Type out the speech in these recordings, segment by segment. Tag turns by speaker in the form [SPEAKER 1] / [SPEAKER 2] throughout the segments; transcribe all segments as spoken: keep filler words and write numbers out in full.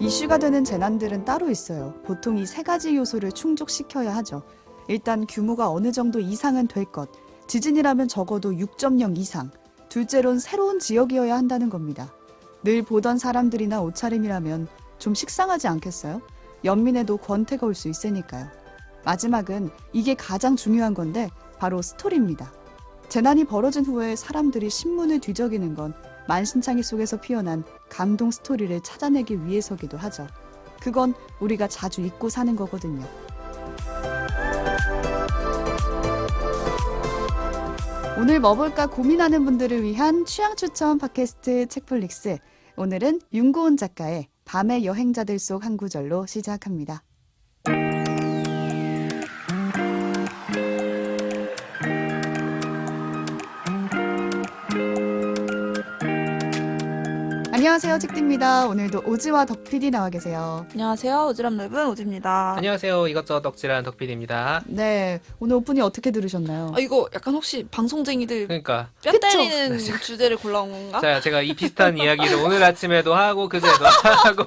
[SPEAKER 1] 이슈가 되는 재난들은 따로 있어요. 보통 이 세 가지 요소를 충족시켜야 하죠. 일단 규모가 어느 정도 이상은 될 것. 지진이라면 적어도 육 점 영 이상. 둘째론 새로운 지역이어야 한다는 겁니다. 늘 보던 사람들이나 옷차림이라면 좀 식상하지 않겠어요? 연민에도 권태가 올 수 있으니까요. 마지막은 이게 가장 중요한 건데 바로 스토리입니다. 재난이 벌어진 후에 사람들이 신문을 뒤적이는 건 만신창이 속에서 피어난 감동 스토리를 찾아내기 위해서기도 하죠. 그건 우리가 자주 잊고 사는 거거든요. 오늘 뭐 볼까 고민하는 분들을 위한 취향 추천 팟캐스트 책플릭스. 오늘은 윤고은 작가의 밤의 여행자들 속 한 구절로 시작합니다. 안녕하세요, 책디입니다. 오늘도 오지와 덕피디 나와 계세요.
[SPEAKER 2] 안녕하세요, 오지랖 넓은 오지입니다.
[SPEAKER 3] 안녕하세요. 이것저것 덕질한 덕필입니다.
[SPEAKER 1] 네, 오늘 오프닝 어떻게 들으셨나요?
[SPEAKER 2] 아, 이거 약간 혹시 방송쟁이들
[SPEAKER 3] 그러니까
[SPEAKER 2] 뼈
[SPEAKER 1] 그쵸?
[SPEAKER 2] 때리는 주제를 골라온 건가?
[SPEAKER 3] 자, 제가 이 비슷한 이야기를 오늘 아침에도 하고 그제도 하고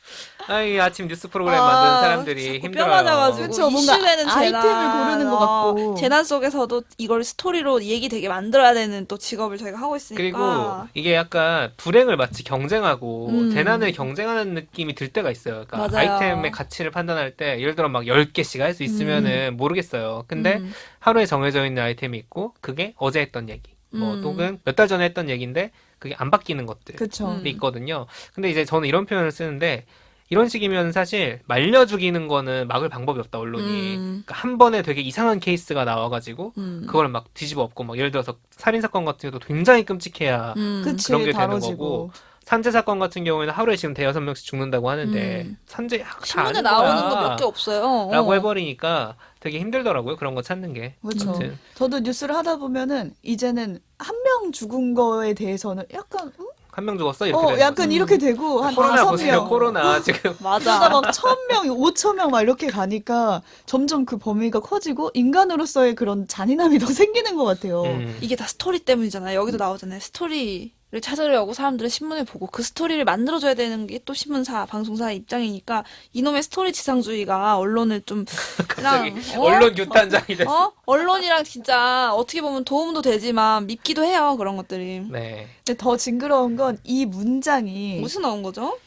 [SPEAKER 3] 아이 아침 뉴스 프로그램
[SPEAKER 2] 아,
[SPEAKER 3] 만드는 사람들이
[SPEAKER 2] 자꾸
[SPEAKER 3] 힘들어요.
[SPEAKER 2] 뼈 맞아가지고
[SPEAKER 1] 그쵸, 뭔가
[SPEAKER 2] 이슈되는
[SPEAKER 1] 아이템을
[SPEAKER 2] 재난,
[SPEAKER 1] 고르는 것
[SPEAKER 2] 어,
[SPEAKER 1] 같고.
[SPEAKER 2] 재난 속에서도 이걸 스토리로 얘기 되게 만들어야 되는 또 직업을 저희가 하고 있으니까.
[SPEAKER 3] 그리고 이게 약간 불행을 마치 경쟁하고
[SPEAKER 2] 음.
[SPEAKER 3] 재난을 경쟁하는 느낌이 들 때가 있어요. 그러니까
[SPEAKER 2] 맞아요.
[SPEAKER 3] 아이템의 가치를 판단할 때 예를 들어 막 열 개씩 할 수 있으면은 모르겠어요. 근데
[SPEAKER 2] 음.
[SPEAKER 3] 하루에 정해져 있는 아이템이 있고 그게 어제 했던 얘기 뭐
[SPEAKER 2] 음.
[SPEAKER 3] 또는 몇 달 전에 했던 얘기인데 그게 안 바뀌는 것들이
[SPEAKER 1] 그쵸.
[SPEAKER 2] 음.
[SPEAKER 3] 있거든요. 근데 이제 저는 이런 표현을 쓰는데 이런 식이면 사실 말려 죽이는 거는 막을 방법이 없다, 언론이.
[SPEAKER 2] 음.
[SPEAKER 3] 그러니까 한 번에 되게 이상한 케이스가 나와가지고
[SPEAKER 2] 음.
[SPEAKER 3] 그걸 막 뒤집어 엎고 막 예를 들어서 살인사건 같은 경우도 굉장히 끔찍해야
[SPEAKER 2] 음.
[SPEAKER 1] 그치,
[SPEAKER 3] 그런 게 되는
[SPEAKER 1] 다뤄지고.
[SPEAKER 3] 거고 산재 사건 같은 경우에는 하루에 지금 대여섯 명씩 죽는다고 하는데
[SPEAKER 2] 음.
[SPEAKER 3] 산재 다
[SPEAKER 2] 신문에
[SPEAKER 3] 아는
[SPEAKER 2] 나오는
[SPEAKER 3] 거야.
[SPEAKER 2] 거 몇 개 없어요.
[SPEAKER 3] 라고
[SPEAKER 2] 어.
[SPEAKER 3] 해버리니까 되게 힘들더라고요. 그런 거 찾는 게.
[SPEAKER 1] 그렇죠.
[SPEAKER 3] 아무튼.
[SPEAKER 1] 저도 뉴스를 하다 보면은 이제는 한 명 죽은 거에 대해서는 약간 음?
[SPEAKER 3] 한 명 죽었어? 이렇게
[SPEAKER 1] 어,
[SPEAKER 3] 되는
[SPEAKER 1] 약간
[SPEAKER 3] 거죠.
[SPEAKER 1] 이렇게 되고 한
[SPEAKER 3] 코로나
[SPEAKER 1] 다섯
[SPEAKER 3] 보세요.
[SPEAKER 1] 명.
[SPEAKER 3] 코로나 지금.
[SPEAKER 2] 맞아.
[SPEAKER 1] 그러다 막 천 명, 오천 명 막 이렇게 가니까 점점 그 범위가 커지고 인간으로서의 그런 잔인함이 더 생기는 것 같아요.
[SPEAKER 3] 음.
[SPEAKER 2] 이게 다 스토리 때문이잖아요. 여기도 나오잖아요. 스토리를 찾으려고 사람들은 신문을 보고 그 스토리를 만들어줘야 되는 게 또 신문사, 방송사의 입장이니까 이놈의 스토리 지상주의가 언론을 좀
[SPEAKER 3] 갑자기
[SPEAKER 2] 그냥, 어?
[SPEAKER 3] 언론 규탄장이 됐어.
[SPEAKER 2] 어? 언론이랑 진짜 어떻게 보면 도움도 되지만 밉기도 해요. 그런 것들이.
[SPEAKER 3] 네.
[SPEAKER 1] 근데 더 징그러운 건 이 문장이
[SPEAKER 2] 무슨 나온 거죠?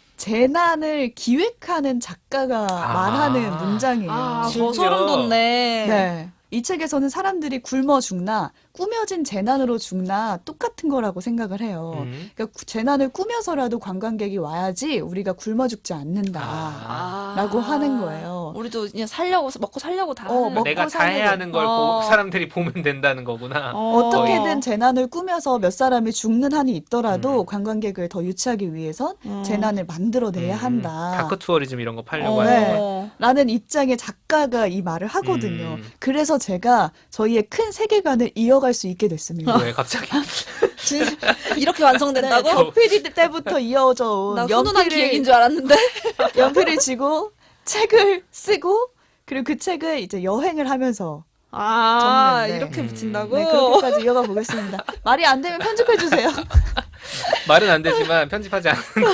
[SPEAKER 1] 재난을 기획하는 작가가
[SPEAKER 3] 아.
[SPEAKER 1] 말하는 문장이에요.
[SPEAKER 2] 아, 더
[SPEAKER 3] 심지어-
[SPEAKER 2] 소름 돋네.
[SPEAKER 1] 네. 이 책에서는 사람들이 굶어 죽나 꾸며진 재난으로 죽나 똑같은 거라고 생각을 해요.
[SPEAKER 3] 음.
[SPEAKER 1] 그러니까 구- 재난을 꾸며서라도 관광객이 와야지 우리가 굶어 죽지 않는다.
[SPEAKER 3] 아.
[SPEAKER 1] 라고 하는 거예요.
[SPEAKER 2] 우리도 그냥 살려고, 먹고 살려고 다
[SPEAKER 1] 어,
[SPEAKER 2] 하는.
[SPEAKER 1] 먹고
[SPEAKER 3] 내가 다
[SPEAKER 1] 사는
[SPEAKER 3] 해야 하는 걸
[SPEAKER 2] 어.
[SPEAKER 3] 보- 사람들이 보면 된다는 거구나.
[SPEAKER 1] 어떻게든 재난을 꾸며서 몇 사람이 죽는 한이 있더라도
[SPEAKER 3] 음.
[SPEAKER 1] 관광객을 더 유치하기 위해선
[SPEAKER 2] 음.
[SPEAKER 1] 재난을 만들어내야
[SPEAKER 3] 음,
[SPEAKER 1] 한다.
[SPEAKER 3] 다크 투어리즘 이런 거 팔려고
[SPEAKER 2] 어.
[SPEAKER 3] 하는
[SPEAKER 1] 네.
[SPEAKER 3] 거.
[SPEAKER 1] 라는 입장의 작가가 이 말을 하거든요.
[SPEAKER 3] 음.
[SPEAKER 1] 그래서 제가 저희의 큰 세계관을 이어갈 수 있게 됐습니다.
[SPEAKER 3] 왜 갑자기?
[SPEAKER 1] 진-
[SPEAKER 2] 이렇게 완성된다고?
[SPEAKER 1] 네, 덕피디 때부터 이어져 온
[SPEAKER 2] 나 훈훈한
[SPEAKER 1] 연필을,
[SPEAKER 2] 기획인 줄 알았는데.
[SPEAKER 1] 연필을 쥐고 책을 쓰고 그리고 그 책을 이제 여행을 하면서
[SPEAKER 2] 아,
[SPEAKER 1] 적는데.
[SPEAKER 2] 이렇게
[SPEAKER 3] 음.
[SPEAKER 2] 붙인다고?
[SPEAKER 1] 네, 그렇게까지 이어가 보겠습니다. 말이 안 되면 편집해 주세요.
[SPEAKER 3] 말은 안 되지만 편집하지 않는 거.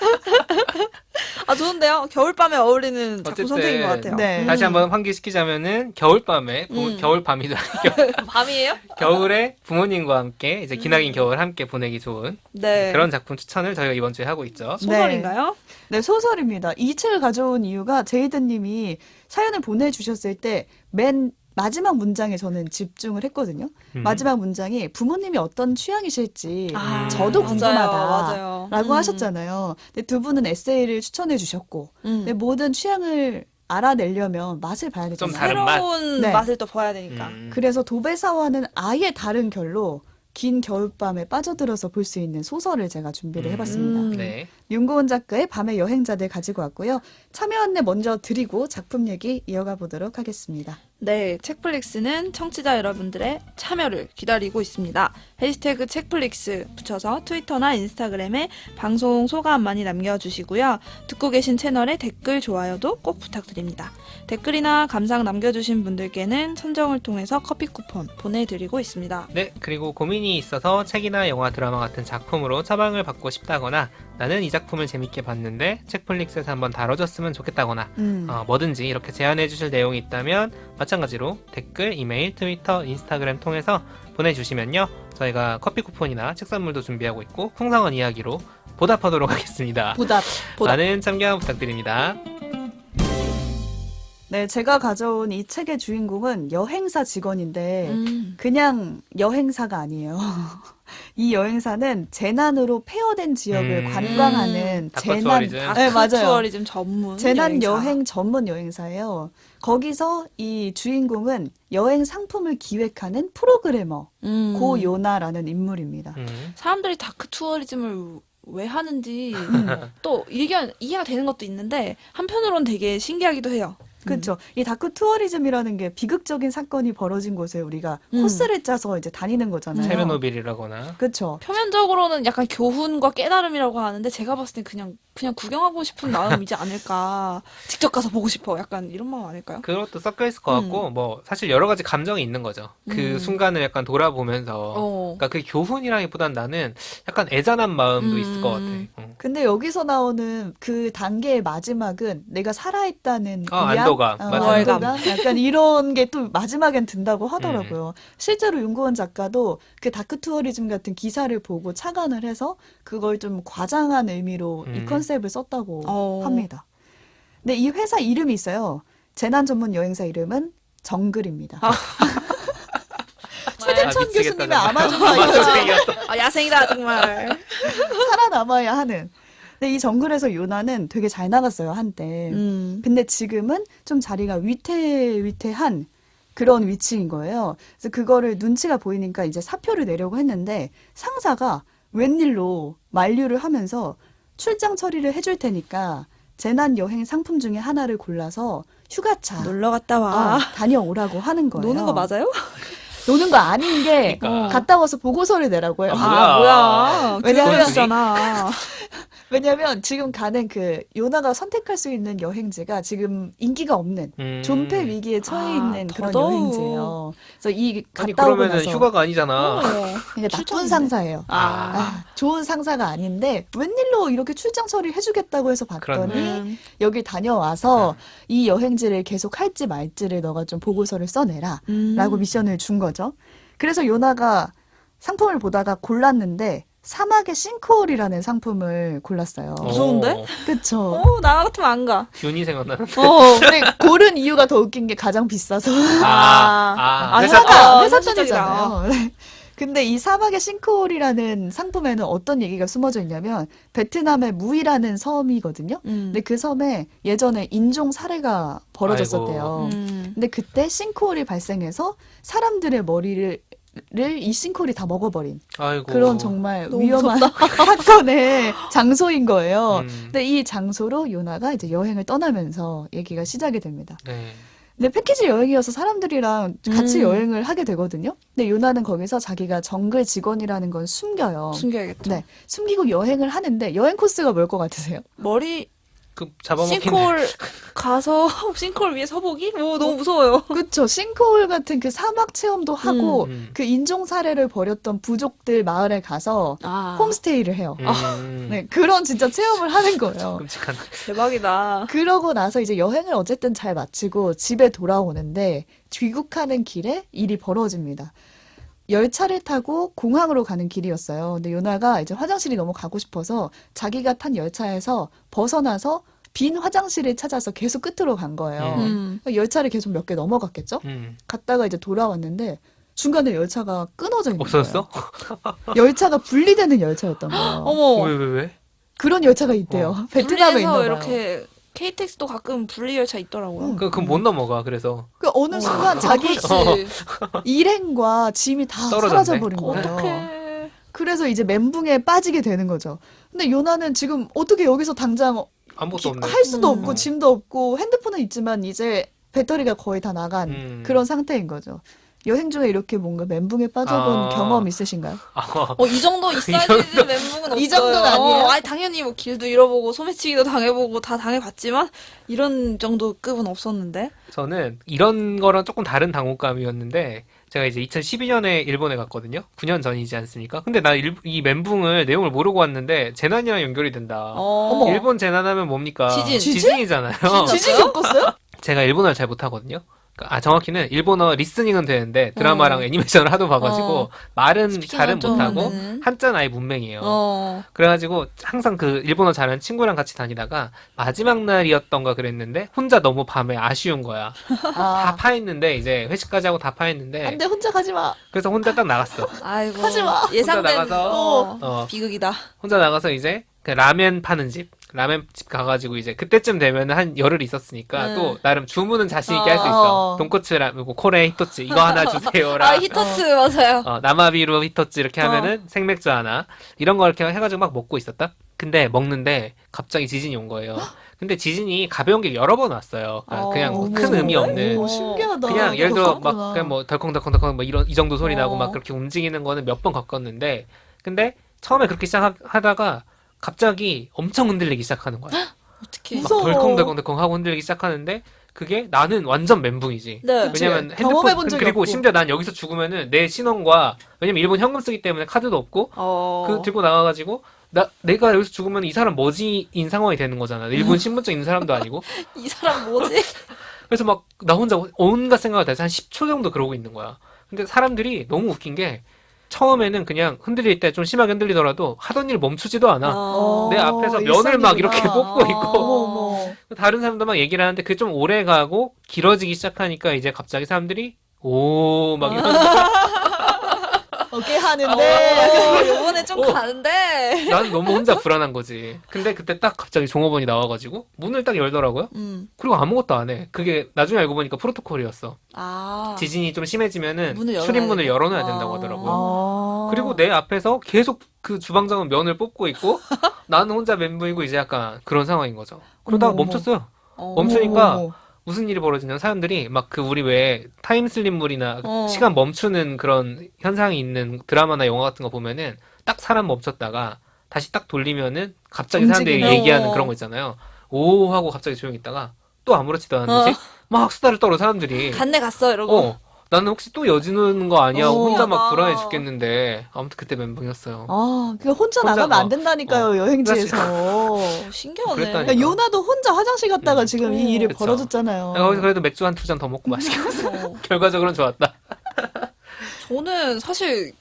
[SPEAKER 2] 아, 좋은데요? 겨울밤에 어울리는 작품
[SPEAKER 3] 어쨌든
[SPEAKER 2] 선택인 것 같아요.
[SPEAKER 1] 네.
[SPEAKER 3] 다시 한번 환기시키자면은 겨울밤에 부,
[SPEAKER 2] 음.
[SPEAKER 3] 겨울밤이도 아니고
[SPEAKER 2] 밤이에요?
[SPEAKER 3] 겨울에 부모님과 함께 이제 기나긴
[SPEAKER 2] 음.
[SPEAKER 3] 겨울 함께 보내기 좋은
[SPEAKER 2] 네.
[SPEAKER 3] 그런 작품 추천을 저희가 이번 주에 하고 있죠.
[SPEAKER 2] 소설인가요?
[SPEAKER 1] 네, 소설입니다. 이 책을 가져온 이유가 제이드님이 사연을 보내주셨을 때 맨 마지막 문장에 저는 집중을 했거든요.
[SPEAKER 3] 음.
[SPEAKER 1] 마지막 문장이 부모님이 어떤 취향이실지
[SPEAKER 3] 아,
[SPEAKER 1] 저도
[SPEAKER 2] 맞아요,
[SPEAKER 1] 궁금하다.
[SPEAKER 2] 맞아요.
[SPEAKER 1] 라고
[SPEAKER 2] 음.
[SPEAKER 1] 하셨잖아요. 근데 두 분은 에세이를 추천해 주셨고
[SPEAKER 2] 음.
[SPEAKER 1] 근데 모든 취향을 알아내려면 맛을 봐야
[SPEAKER 3] 좀
[SPEAKER 1] 되잖아요.
[SPEAKER 3] 다른 맛.
[SPEAKER 2] 새로운
[SPEAKER 1] 네.
[SPEAKER 2] 맛을 또 봐야 되니까.
[SPEAKER 3] 음.
[SPEAKER 1] 그래서 도배사와는 아예 다른 결로 긴 겨울밤에 빠져들어서 볼 수 있는 소설을 제가 준비를
[SPEAKER 3] 음.
[SPEAKER 1] 해봤습니다.
[SPEAKER 2] 음.
[SPEAKER 3] 네.
[SPEAKER 1] 윤고은 작가의 밤의 여행자들 가지고 왔고요. 참여 안내 먼저 드리고 작품 얘기 이어가 보도록 하겠습니다.
[SPEAKER 2] 네, 책플릭스는 청취자 여러분들의 참여를 기다리고 있습니다. 해시태그 책플릭스 붙여서 트위터나 인스타그램에 방송 소감 많이 남겨주시고요. 듣고 계신 채널에 댓글, 좋아요도 꼭 부탁드립니다. 댓글이나 감상 남겨주신 분들께는 선정을 통해서 커피 쿠폰 보내드리고 있습니다.
[SPEAKER 3] 네, 그리고 고민이 있어서 책이나 영화, 드라마 같은 작품으로 처방을 받고 싶다거나 나는 이 작품을 재밌게 봤는데 책플릭스에서 한번 다뤄줬으면 좋겠다거나
[SPEAKER 1] 음.
[SPEAKER 3] 어, 뭐든지 이렇게 제안해 주실 내용이 있다면 마찬가지로 댓글, 이메일, 트위터, 인스타그램 통해서 보내주시면요. 저희가 커피 쿠폰이나 책 선물도 준비하고 있고 풍성한 이야기로 보답하도록 하겠습니다.
[SPEAKER 1] 보답. 보답.
[SPEAKER 3] 많은 참여 부탁드립니다.
[SPEAKER 1] 네, 제가 가져온 이 책의 주인공은 여행사 직원인데
[SPEAKER 2] 음.
[SPEAKER 1] 그냥 여행사가 아니에요. 이 여행사는 재난으로 폐허된 지역을
[SPEAKER 3] 음.
[SPEAKER 1] 관광하는
[SPEAKER 3] 다크
[SPEAKER 1] 재난
[SPEAKER 3] 투어리즘.
[SPEAKER 1] 네, 맞아요.
[SPEAKER 2] 다크투어리즘 전문
[SPEAKER 1] 재난
[SPEAKER 2] 여행사.
[SPEAKER 1] 여행 전문 여행사예요. 거기서 이 주인공은 여행 상품을 기획하는 프로그래머
[SPEAKER 2] 음.
[SPEAKER 1] 고요나라는 인물입니다.
[SPEAKER 3] 음.
[SPEAKER 2] 사람들이 다크 투어리즘을 왜 하는지 또 이해가, 이해가 되는 것도 있는데 한편으로는 되게 신기하기도 해요.
[SPEAKER 1] 그렇죠. 이 다크 투어리즘이라는 게 비극적인 사건이 벌어진 곳에 우리가
[SPEAKER 2] 음.
[SPEAKER 1] 코스를 짜서 이제 다니는 거잖아요.
[SPEAKER 3] 체르노빌이라거나
[SPEAKER 1] 그렇죠.
[SPEAKER 2] 표면적으로는 약간 교훈과 깨달음이라고 하는데 제가 봤을 땐 그냥 그냥 구경하고 싶은 마음이지 않을까. 직접 가서 보고 싶어. 약간 이런 마음 아닐까요?
[SPEAKER 3] 그것도 섞여 있을 것 같고 뭐 사실 여러 가지 감정이 있는 거죠. 그
[SPEAKER 2] 음.
[SPEAKER 3] 순간을 약간 돌아보면서
[SPEAKER 2] 어.
[SPEAKER 3] 그러니까 그 교훈이라기보단 나는 약간 애잔한 마음도
[SPEAKER 2] 음.
[SPEAKER 3] 있을 것 같아. 어.
[SPEAKER 1] 근데 여기서 나오는 그 단계의 마지막은 내가 살아있다는
[SPEAKER 3] 어,
[SPEAKER 1] 위안?
[SPEAKER 3] 안도감.
[SPEAKER 1] 어,
[SPEAKER 3] 맞아요.
[SPEAKER 1] 안도감? 약간 이런 게 또 마지막엔 든다고 하더라고요. 실제로 윤고원 작가도 그 다크 투어리즘 같은 기사를 보고 착안을 해서 그걸 좀 과장한 의미로 이
[SPEAKER 3] 음.
[SPEAKER 1] 컨셉을 썼다고
[SPEAKER 2] 어.
[SPEAKER 1] 합니다. 근데 이 회사 이름이 있어요. 재난 전문 여행사 이름은 정글입니다.
[SPEAKER 2] 아.
[SPEAKER 1] 최대천
[SPEAKER 3] 아, 미치겠다,
[SPEAKER 1] 교수님의
[SPEAKER 3] 정말.
[SPEAKER 1] 아마존과
[SPEAKER 3] 아마존
[SPEAKER 1] 여행
[SPEAKER 3] 얘기였어.
[SPEAKER 2] 아, 야생이다 정말.
[SPEAKER 1] 살아남아야 하는. 근데 이 정글에서 요나는 되게 잘 나갔어요, 한때.
[SPEAKER 2] 음.
[SPEAKER 1] 근데 지금은 좀 자리가 위태위태한 그런 위치인 거예요. 그래서 그거를 눈치가 보이니까 이제 사표를 내려고 했는데 상사가 웬일로 만류를 하면서 출장 처리를 해줄 테니까 재난 여행 상품 중에 하나를 골라서 휴가차
[SPEAKER 2] 놀러 갔다 와.
[SPEAKER 1] 어, 다녀오라고 하는 거예요.
[SPEAKER 2] 노는 거 맞아요?
[SPEAKER 1] 노는 거 아닌 게
[SPEAKER 3] 그러니까.
[SPEAKER 1] 갔다 와서 보고서를 내라고 해요.
[SPEAKER 3] 아,
[SPEAKER 2] 아, 뭐야.
[SPEAKER 1] 왜냐면-
[SPEAKER 2] 교육이잖아.
[SPEAKER 1] 왜냐면 지금 가는 그 요나가 선택할 수 있는 여행지가 지금 인기가 없는
[SPEAKER 3] 음.
[SPEAKER 1] 존폐 위기에 처해
[SPEAKER 2] 아,
[SPEAKER 1] 있는 그런
[SPEAKER 2] 더더욱.
[SPEAKER 1] 여행지예요. 그래서 이
[SPEAKER 3] 아니
[SPEAKER 1] 갔다 오고
[SPEAKER 3] 그러면은
[SPEAKER 1] 나서
[SPEAKER 3] 휴가가 아니잖아.
[SPEAKER 2] 어.
[SPEAKER 1] 그러니까 나쁜
[SPEAKER 2] 출장인데?
[SPEAKER 1] 상사예요.
[SPEAKER 3] 아.
[SPEAKER 1] 아, 좋은 상사가 아닌데 웬일로 이렇게 출장 처리 해주겠다고 해서 봤더니
[SPEAKER 3] 그렇네.
[SPEAKER 2] 음.
[SPEAKER 1] 여기 다녀와서 이 여행지를 계속 할지 말지를 너가 좀 보고서를 써내라
[SPEAKER 2] 음.
[SPEAKER 1] 라고 미션을 준 거죠. 그래서 요나가 상품을 보다가 골랐는데 사막의 싱크홀이라는 상품을 골랐어요.
[SPEAKER 3] 어.
[SPEAKER 2] 무서운데?
[SPEAKER 1] 그쵸?
[SPEAKER 2] 어, 나 같으면 안 가.
[SPEAKER 3] 균이 생각나는.
[SPEAKER 1] 어, 근데 고른 이유가 더 웃긴 게 가장 비싸서.
[SPEAKER 3] 아, 아,
[SPEAKER 2] 아,
[SPEAKER 3] 회사
[SPEAKER 2] 회사가-
[SPEAKER 1] 회사가
[SPEAKER 2] 아,
[SPEAKER 1] 회사
[SPEAKER 2] 현실적이다.
[SPEAKER 1] 돈이잖아요. 네. 근데 이 사막의 싱크홀이라는 상품에는 어떤 얘기가 숨어져 있냐면 베트남의 무이라는 섬이거든요.
[SPEAKER 2] 음.
[SPEAKER 1] 근데 그 섬에 예전에 인종 살해가 벌어졌었대요.
[SPEAKER 2] 음.
[SPEAKER 1] 근데 그때 싱크홀이 발생해서 사람들의 머리를 이 싱크홀이 다 먹어버린
[SPEAKER 3] 아이고.
[SPEAKER 1] 그런 정말
[SPEAKER 2] 너무
[SPEAKER 1] 위험한 사건의 장소인 거예요.
[SPEAKER 3] 음.
[SPEAKER 1] 근데 이 장소로 요나가 이제 여행을 떠나면서 얘기가 시작이 됩니다.
[SPEAKER 3] 네.
[SPEAKER 1] 근데 패키지 여행이어서 사람들이랑 같이
[SPEAKER 2] 음.
[SPEAKER 1] 여행을 하게 되거든요. 근데 요나는 거기서 자기가 정글 직원이라는 건 숨겨요.
[SPEAKER 2] 숨겨야겠죠.
[SPEAKER 1] 네, 숨기고 여행을 하는데 여행 코스가 뭘 것 같으세요?
[SPEAKER 2] 머리
[SPEAKER 3] 그 잡아먹힌.
[SPEAKER 2] 싱크홀 가서 싱크홀 위에 서보기? 뭐 너무 무서워요.
[SPEAKER 1] 그렇죠. 싱크홀 같은 그 사막 체험도 하고
[SPEAKER 3] 음.
[SPEAKER 1] 그 인종 살해를 벌였던 부족들 마을에 가서
[SPEAKER 2] 아,
[SPEAKER 1] 홈스테이를 해요.
[SPEAKER 3] 음.
[SPEAKER 1] 네, 그런 진짜 체험을 하는 거예요.
[SPEAKER 3] 끔찍한.
[SPEAKER 2] 대박이다.
[SPEAKER 1] 그러고 나서 이제 여행을 어쨌든 잘 마치고 집에 돌아오는데 귀국하는 길에 일이 벌어집니다. 열차를 타고 공항으로 가는 길이었어요. 근데 요나가 이제 화장실이 너무 가고 싶어서 자기가 탄 열차에서 벗어나서 빈 화장실을 찾아서 계속 끝으로 간 거예요.
[SPEAKER 2] 음.
[SPEAKER 1] 열차를 계속 몇 개 넘어갔겠죠?
[SPEAKER 3] 음.
[SPEAKER 1] 갔다가 이제 돌아왔는데 중간에 열차가 끊어져 있는
[SPEAKER 3] 없어졌어?
[SPEAKER 1] 거예요. 열차가 분리되는 열차였던 거예요.
[SPEAKER 2] 어머.
[SPEAKER 3] 왜, 왜, 왜?
[SPEAKER 1] 그런 열차가 있대요.
[SPEAKER 3] 어.
[SPEAKER 1] 베트남에 있나
[SPEAKER 2] 분리해서
[SPEAKER 1] 봐요.
[SPEAKER 2] 이렇게 케이티엑스도 가끔 분리 열차 있더라고요.
[SPEAKER 1] 음.
[SPEAKER 3] 그, 그럼 못 넘어가, 그래서.
[SPEAKER 1] 그 어느 순간 자기
[SPEAKER 2] 그렇지.
[SPEAKER 1] 일행과 짐이 다
[SPEAKER 3] 떨어졌네.
[SPEAKER 1] 사라져 버린 거예요.
[SPEAKER 2] 어떡해.
[SPEAKER 1] 그래서 이제 멘붕에 빠지게 되는 거죠. 근데 요나는 지금 어떻게 여기서 당장
[SPEAKER 3] 아무것도
[SPEAKER 1] 기-
[SPEAKER 3] 없네.
[SPEAKER 1] 할 수도
[SPEAKER 2] 음.
[SPEAKER 1] 없고 짐도 없고 핸드폰은 있지만 이제 배터리가 거의 다 나간
[SPEAKER 3] 음.
[SPEAKER 1] 그런 상태인 거죠. 여행 중에 이렇게 뭔가 멘붕에 빠져본
[SPEAKER 3] 아.
[SPEAKER 1] 경험 있으신가요?
[SPEAKER 3] 아,
[SPEAKER 2] 어, 이 정도 있어야지
[SPEAKER 3] 정도?
[SPEAKER 2] 멘붕은 없어요.
[SPEAKER 1] 이 정도는 아니에요?
[SPEAKER 2] 어, 아니, 당연히 뭐 길도 잃어보고 소매치기도 당해보고 다 당해봤지만 이런 정도 급은 없었는데.
[SPEAKER 3] 저는 이런 거랑 조금 다른 당혹감이었는데 제가 이제 이천십이 년에 일본에 갔거든요. 구 년 전이지 않습니까? 근데 나 이 멘붕을 내용을 모르고 왔는데 재난이랑 연결이 된다.
[SPEAKER 2] 어.
[SPEAKER 3] 일본 재난하면 뭡니까?
[SPEAKER 2] 지진.
[SPEAKER 1] 지진?
[SPEAKER 3] 이잖아요
[SPEAKER 1] 지진 겪었어요?
[SPEAKER 3] 제가 일본어를 잘 못하거든요. 아 정확히는 일본어 리스닝은 되는데 드라마랑
[SPEAKER 2] 어.
[SPEAKER 3] 애니메이션을 하도 봐가지고
[SPEAKER 2] 어.
[SPEAKER 3] 말은
[SPEAKER 2] 스피킹은
[SPEAKER 3] 잘은
[SPEAKER 2] 좀
[SPEAKER 3] 못하고
[SPEAKER 2] 하는.
[SPEAKER 3] 한자는 아예 문맹이에요.
[SPEAKER 2] 어.
[SPEAKER 3] 그래가지고 항상 그 일본어 잘하는 친구랑 같이 다니다가 마지막 날이었던가 그랬는데 혼자 너무 밤에 아쉬운 거야. 다
[SPEAKER 1] 아,
[SPEAKER 3] 파했는데 이제 회식까지 하고 다 파했는데
[SPEAKER 1] 안돼 혼자 가지 마.
[SPEAKER 3] 그래서 혼자 딱 나갔어.
[SPEAKER 2] 아이고.
[SPEAKER 1] 하지 마.
[SPEAKER 2] 예상된
[SPEAKER 3] 혼자 나가서,
[SPEAKER 2] 어.
[SPEAKER 3] 어.
[SPEAKER 2] 비극이다.
[SPEAKER 3] 혼자 나가서 이제 그 라면 파는 집 라면 집 가가지고 이제 그때쯤 되면 한 열흘 있었으니까
[SPEAKER 2] 음.
[SPEAKER 3] 또 나름 주문은 자신 있게 할 수 있어.
[SPEAKER 1] 어.
[SPEAKER 3] 돈코츠 라면 뭐 코레 히토츠 이거 하나 주세요라.
[SPEAKER 2] 아 히토츠 맞아요.
[SPEAKER 3] 어, 나마비루 히토츠 이렇게
[SPEAKER 2] 어.
[SPEAKER 3] 하면은 생맥주 하나 이런 거 이렇게 해가지고 막 먹고 있었다. 근데 먹는데 갑자기 지진이 온 거예요. 근데 지진이 가벼운 게 여러 번 왔어요. 그러니까
[SPEAKER 2] 어,
[SPEAKER 3] 그냥 뭐
[SPEAKER 1] 어머,
[SPEAKER 3] 큰 의미 없는.
[SPEAKER 1] 오, 신기하다.
[SPEAKER 3] 그냥 예를 들어 막
[SPEAKER 1] 겪었구나.
[SPEAKER 3] 그냥 뭐 덜컹덜컹덜컹 뭐 이런 이 정도 소리 나고
[SPEAKER 2] 어.
[SPEAKER 3] 막 그렇게 움직이는 거는 몇 번 겪었는데 근데 처음에 그렇게 시작하다가 갑자기 엄청 흔들리기 시작하는 거야.
[SPEAKER 2] 어떻게?
[SPEAKER 3] 막
[SPEAKER 1] 무서워.
[SPEAKER 3] 덜컹덜컹덜컹 하고 흔들리기 시작하는데 그게 나는 완전 멘붕이지.
[SPEAKER 2] 네.
[SPEAKER 1] 그치.
[SPEAKER 3] 왜냐면
[SPEAKER 1] 경험해본
[SPEAKER 3] 핸드폰
[SPEAKER 1] 적이
[SPEAKER 3] 그리고
[SPEAKER 1] 없고.
[SPEAKER 3] 심지어 난 여기서 죽으면은 내 신원과 왜냐면 일본 현금 쓰기 때문에 카드도 없고
[SPEAKER 2] 어.
[SPEAKER 3] 그 들고 나가가지고 나 내가 여기서 죽으면 이 사람 뭐지인 상황이 되는 거잖아. 일본 신분증 있는 사람도 아니고.
[SPEAKER 2] 이 사람 뭐지?
[SPEAKER 3] 그래서 막 나 혼자 온갖 생각을 다 해서 한 십 초 정도 그러고 있는 거야. 근데 사람들이 너무 웃긴 게 처음에는 그냥 흔들릴 때 좀 심하게 흔들리더라도 하던 일 멈추지도 않아.
[SPEAKER 2] 어.
[SPEAKER 3] 내 앞에서 면을 막 이렇게
[SPEAKER 1] 일상이구나.
[SPEAKER 3] 뽑고 있고
[SPEAKER 1] 어머 어머.
[SPEAKER 3] 다른 사람도 막 얘기를 하는데 그게 좀 오래 가고 길어지기 시작하니까 이제 갑자기 사람들이 오 막 이런
[SPEAKER 1] 어깨 하는데.
[SPEAKER 2] 어, 요번에 좀
[SPEAKER 3] 어.
[SPEAKER 2] 가는데.
[SPEAKER 3] 나는 너무 혼자 불안한 거지. 근데 그때 딱 갑자기 종업원이 나와가지고 문을 딱 열더라고요.
[SPEAKER 2] 음.
[SPEAKER 3] 그리고 아무것도 안 해. 그게 나중에 알고 보니까 프로토콜이었어.
[SPEAKER 2] 아.
[SPEAKER 3] 지진이 좀 심해지면은
[SPEAKER 2] 문을 열어놔야
[SPEAKER 3] 출입문을
[SPEAKER 2] 돼.
[SPEAKER 3] 열어놔야
[SPEAKER 2] 아.
[SPEAKER 3] 된다고 하더라고요.
[SPEAKER 1] 아.
[SPEAKER 3] 그리고 내 앞에서 계속 그 주방장은 면을 뽑고 있고 나는 혼자 멘붕이고 이제 약간 그런 상황인 거죠. 그러다가
[SPEAKER 1] 어머, 어머.
[SPEAKER 3] 멈췄어요.
[SPEAKER 2] 어.
[SPEAKER 3] 멈추니까
[SPEAKER 1] 어머, 어머.
[SPEAKER 3] 무슨 일이 벌어지냐면 사람들이 막 그 우리 왜 타임슬립물이나
[SPEAKER 2] 어.
[SPEAKER 3] 시간 멈추는 그런 현상이 있는 드라마나 영화 같은 거 보면은 딱 사람 멈췄다가 다시 딱 돌리면은 갑자기 사람들이
[SPEAKER 1] 움직이는.
[SPEAKER 3] 얘기하는
[SPEAKER 2] 어.
[SPEAKER 3] 그런 거 있잖아요. 오 하고 갑자기 조용히 있다가 또 아무렇지도 않은 듯이
[SPEAKER 2] 어.
[SPEAKER 3] 막 수다를 떨어 사람들이.
[SPEAKER 2] 간내 갔어 이러고.
[SPEAKER 3] 어. 나는 혹시 또 여지는 거 아니야?
[SPEAKER 1] 어.
[SPEAKER 3] 혼자 막
[SPEAKER 2] 신기하다.
[SPEAKER 3] 불안해 죽겠는데 아무튼 그때 멘붕이었어요.
[SPEAKER 1] 아, 그 혼자
[SPEAKER 3] 혼자
[SPEAKER 1] 나가면 안
[SPEAKER 3] 어.
[SPEAKER 1] 된다니까요, 여행지에서.
[SPEAKER 2] 어, 신기하네.
[SPEAKER 3] 그랬다니까.
[SPEAKER 1] 야, 요나도 혼자 화장실 갔다가
[SPEAKER 3] 음.
[SPEAKER 1] 지금
[SPEAKER 2] 어.
[SPEAKER 1] 이 일이
[SPEAKER 3] 그쵸.
[SPEAKER 1] 벌어졌잖아요.
[SPEAKER 3] 내가 거기서 그래도 맥주 한 두 잔 더 먹고 마시게 했어.
[SPEAKER 2] 어.
[SPEAKER 3] 결과적으로는 좋았다.
[SPEAKER 2] 저는 사실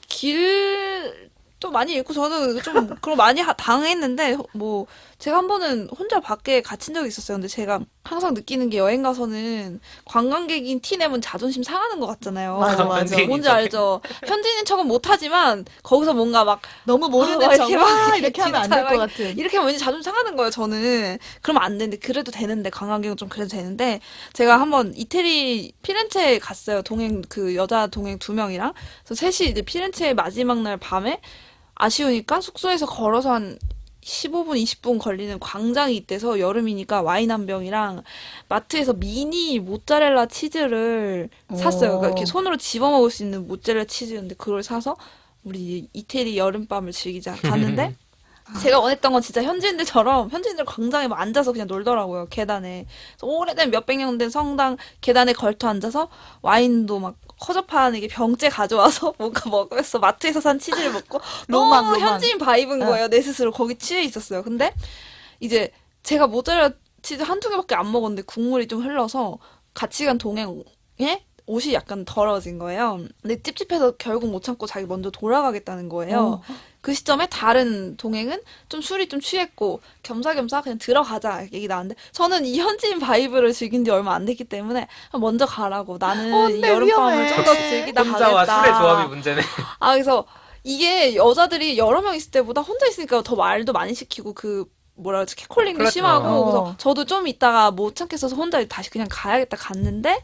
[SPEAKER 2] 길도 많이 잃고 저는 좀 그런 거 많이 하- 당했는데 뭐 제가 한 번은 혼자 밖에 갇힌 적이 있었어요. 근데 제가 항상 느끼는 게 여행 가서는 관광객인 티 내면 자존심 상하는 것 같잖아요.
[SPEAKER 1] 맞아, 맞아.
[SPEAKER 3] 현지인이
[SPEAKER 2] 뭔지 알죠? 현지인인 척은 못하지만 거기서 뭔가 막
[SPEAKER 1] 너무 모르는
[SPEAKER 2] 아,
[SPEAKER 1] 척,
[SPEAKER 2] 이렇게 막
[SPEAKER 1] 와, 이렇게 하면 안
[SPEAKER 2] 진짜
[SPEAKER 1] 될 것
[SPEAKER 2] 막
[SPEAKER 1] 같은.
[SPEAKER 2] 이렇게 하면 왠지 자존심 상하는 거예요, 저는. 그러면 안 되는데, 그래도 되는데, 관광객은 좀 그래도 되는데, 제가 한번 이태리 피렌체에 갔어요. 동행, 그 여자 동행 두 명이랑. 그래서 셋이 이제 피렌체 마지막 날 밤에 아쉬우니까 숙소에서 걸어서 한 십오 분, 이십 분 걸리는 광장이 있대서 여름이니까 와인 한 병이랑 마트에서 미니 모짜렐라 치즈를 샀어요. 그러니까 이렇게 손으로 집어 먹을 수 있는 모짜렐라 치즈였는데 그걸 사서 우리 이태리 여름밤을 즐기자 갔는데 제가 원했던 건 진짜 현지인들처럼 현지인들 광장에 막 앉아서 그냥 놀더라고요. 계단에. 그래서 오래된 몇백 년 된 성당 계단에 걸터 앉아서 와인도 막 허접한 이게 병째 가져와서 뭔가 먹으면서 마트에서 산 치즈를 먹고
[SPEAKER 1] 로망,
[SPEAKER 2] 너무
[SPEAKER 1] 로망.
[SPEAKER 2] 현지인 바이브인
[SPEAKER 1] 응.
[SPEAKER 2] 거예요. 내 스스로 거기 취해 있었어요. 근데 이제 제가 모짜렐라 치즈 한두 개밖에 안 먹었는데 국물이 좀 흘러서 같이 간 동행에 옷이 약간 더러워진 거예요. 근데 찝찝해서 결국 못 참고 자기 먼저 돌아가겠다는 거예요.
[SPEAKER 1] 어.
[SPEAKER 2] 그 시점에 다른 동행은 좀 술이 좀 취했고 겸사겸사 그냥 들어가자 얘기 나왔는데 저는 이 현지인 바이브를 즐긴 지 얼마 안 됐기 때문에 먼저 가라고 나는
[SPEAKER 1] 어,
[SPEAKER 2] 이
[SPEAKER 1] 근데
[SPEAKER 2] 여름밤을
[SPEAKER 1] 위험해.
[SPEAKER 2] 좀 더 즐기다
[SPEAKER 3] 혼자와
[SPEAKER 2] 가겠다.
[SPEAKER 3] 술의 조합이 문제네.
[SPEAKER 2] 아 그래서 이게 여자들이 여러 명 있을 때보다 혼자 있으니까 더 말도 많이 시키고 그 뭐라 그러지 캐콜링도
[SPEAKER 3] 그렇죠.
[SPEAKER 2] 심하고
[SPEAKER 1] 어.
[SPEAKER 2] 그래서 저도 좀 있다가 못 참겠어서 혼자 다시 그냥 가야겠다 갔는데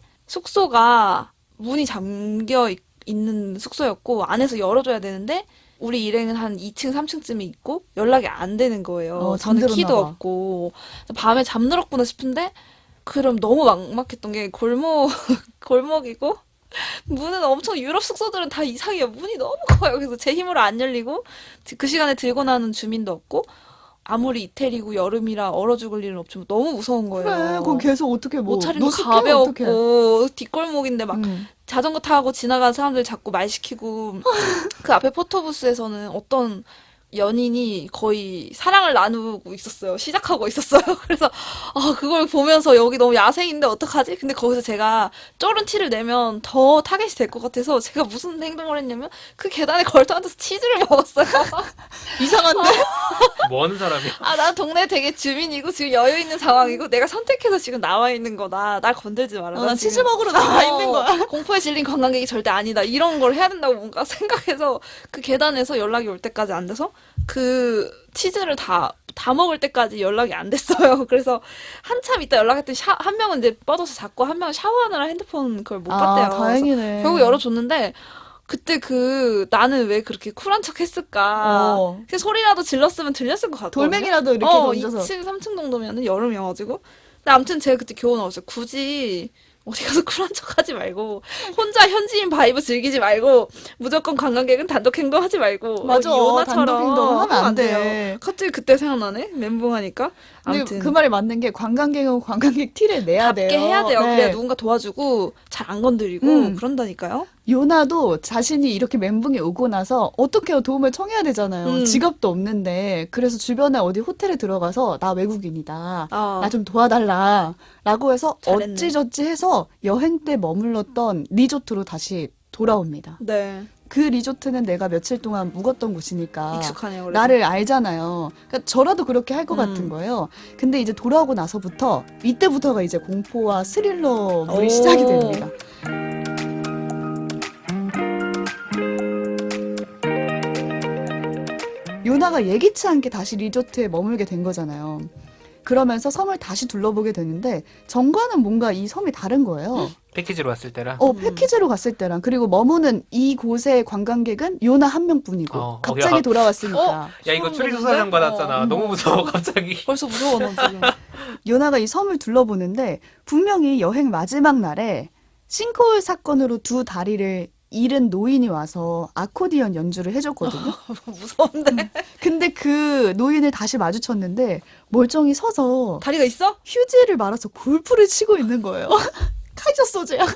[SPEAKER 2] 숙소가 문이 잠겨 있, 있는 숙소였고 안에서 열어줘야 되는데 우리 일행은 한 이 층, 삼 층쯤에 있고 연락이 안 되는 거예요.
[SPEAKER 1] 어,
[SPEAKER 2] 저는
[SPEAKER 1] 잠들었나
[SPEAKER 2] 키도
[SPEAKER 1] 봐.
[SPEAKER 2] 없고 밤에 잠들었구나 싶은데 그럼 너무 막막했던 게 골목 골목이고 문은 엄청 유럽 숙소들은 다 이상해요. 문이 너무 커요. 그래서 제 힘으로 안 열리고 그 시간에 들고 나는 주민도 없고 아무리 이태리고 여름이라 얼어 죽을 일은 없지만 너무 무서운 거예요.
[SPEAKER 1] 그래, 그건 계속 어떻게 뭐.
[SPEAKER 2] 옷차림도
[SPEAKER 1] 노숙해, 어떡해.
[SPEAKER 2] 가벼웠고 뒷골목인데 막
[SPEAKER 1] 음.
[SPEAKER 2] 자전거 타고 지나가는 사람들 자꾸 말 시키고 그 앞에 포토부스에서는 어떤 연인이 거의 사랑을 나누고 있었어요. 시작하고 있었어요. 그래서 아 그걸 보면서 여기 너무 야생인데 어떡하지? 근데 거기서 제가 쫄은 티를 내면 더 타겟이 될 것 같아서 제가 무슨 행동을 했냐면 그 계단에 걸터 앉아서 치즈를 먹었어요.
[SPEAKER 1] 이상한데?
[SPEAKER 3] 뭐 하는 사람이야?
[SPEAKER 2] 아, 나 동네 되게 주민이고 지금 여유 있는 상황이고 내가 선택해서 지금 나와 있는 거다. 날 건들지 마라.
[SPEAKER 1] 어,
[SPEAKER 2] 나
[SPEAKER 1] 치즈
[SPEAKER 2] 지금
[SPEAKER 1] 먹으러 나와 있는
[SPEAKER 2] 어,
[SPEAKER 1] 거야.
[SPEAKER 2] 공포에 질린 관광객이 절대 아니다. 이런 걸 해야 된다고 뭔가 생각해서 그 계단에서 연락이 올 때까지 앉아서 그 치즈를 다, 다 먹을 때까지 연락이 안 됐어요. 그래서 한참 있다 연락했더니 샤, 한 명은 이제 뻗어서 잡고 한 명은 샤워하느라 핸드폰 그걸 못 봤대요.
[SPEAKER 1] 아, 다행이네.
[SPEAKER 2] 결국 열어줬는데 그때 그 나는 왜 그렇게 쿨한 척 했을까?
[SPEAKER 1] 어.
[SPEAKER 2] 그 소리라도 질렀으면 들렸을 것 같거든요.
[SPEAKER 1] 돌멩이라도 이렇게
[SPEAKER 2] 어,
[SPEAKER 1] 던져서.
[SPEAKER 2] 이 층, 삼 층 정도면은 여름이어가지고. 근데 아무튼 제가 그때 교훈 얻었어요. 굳이 어디 가서 쿨한 척 하지 말고, 혼자 현지인 바이브 즐기지 말고, 무조건 관광객은 단독 행동하지 말고,
[SPEAKER 1] 맞아.
[SPEAKER 2] 어, 요나처럼
[SPEAKER 1] 단독 행동을 하면 안
[SPEAKER 2] 돼요.
[SPEAKER 1] 돼.
[SPEAKER 2] 갑자기 그때 생각나네? 멘붕하니까.
[SPEAKER 1] 근데
[SPEAKER 2] 아무튼.
[SPEAKER 1] 그 말이 맞는 게 관광객은 관광객 티를 내야 돼요.
[SPEAKER 2] 답게 해야 돼요.
[SPEAKER 1] 네.
[SPEAKER 2] 그래야 누군가 도와주고, 잘 안 건드리고,
[SPEAKER 1] 음.
[SPEAKER 2] 그런다니까요.
[SPEAKER 1] 요나도 자신이 이렇게 멘붕이 오고 나서 어떻게 도움을 청해야 되잖아요.
[SPEAKER 2] 음.
[SPEAKER 1] 지갑도 없는데. 그래서 주변에 어디 호텔에 들어가서 나 외국인이다.
[SPEAKER 2] 어.
[SPEAKER 1] 나 좀 도와달라. 라고 해서
[SPEAKER 2] 잘했네.
[SPEAKER 1] 어찌저찌 해서 여행 때 머물렀던 리조트로 다시 돌아옵니다.
[SPEAKER 2] 네.
[SPEAKER 1] 그 리조트는 내가 며칠 동안 묵었던 곳이니까
[SPEAKER 2] 익숙하네요. 그래도.
[SPEAKER 1] 나를 알잖아요. 그러니까 저라도 그렇게 할 것
[SPEAKER 2] 음.
[SPEAKER 1] 같은 거예요. 근데 이제 돌아오고 나서부터 이때부터가 이제 공포와 스릴러 물이
[SPEAKER 2] 오.
[SPEAKER 1] 시작이 됩니다. 요나가 예기치 않게 다시 리조트에 머물게 된 거잖아요. 그러면서 섬을 다시 둘러보게 되는데 정과는 뭔가 이 섬이 다른 거예요.
[SPEAKER 3] 패키지로 왔을 때라.
[SPEAKER 1] 어,
[SPEAKER 2] 음.
[SPEAKER 1] 패키지로 갔을 때랑 그리고 머무는 이곳의 관광객은 요나 한 명뿐이고
[SPEAKER 3] 어,
[SPEAKER 1] 갑자기
[SPEAKER 3] 어, 야.
[SPEAKER 1] 돌아왔으니까
[SPEAKER 3] 야 이거
[SPEAKER 2] 소름
[SPEAKER 3] 추리조사장
[SPEAKER 2] 돋는데?
[SPEAKER 3] 받았잖아.
[SPEAKER 2] 어.
[SPEAKER 3] 너무 무서워 갑자기.
[SPEAKER 2] 벌써 무서워, 너 지금.
[SPEAKER 1] 요나가 이 섬을 둘러보는데 분명히 여행 마지막 날에 싱크홀 사건으로 두 다리를 잃은 노인이 와서 아코디언 연주를 해줬거든요.
[SPEAKER 2] 무서운데?
[SPEAKER 1] 근데 그 노인을 다시 마주쳤는데 멀쩡히 서서
[SPEAKER 2] 다리가 있어?
[SPEAKER 1] 휴지를 말아서 골프를 치고 있는 거예요. 카이저 소재야.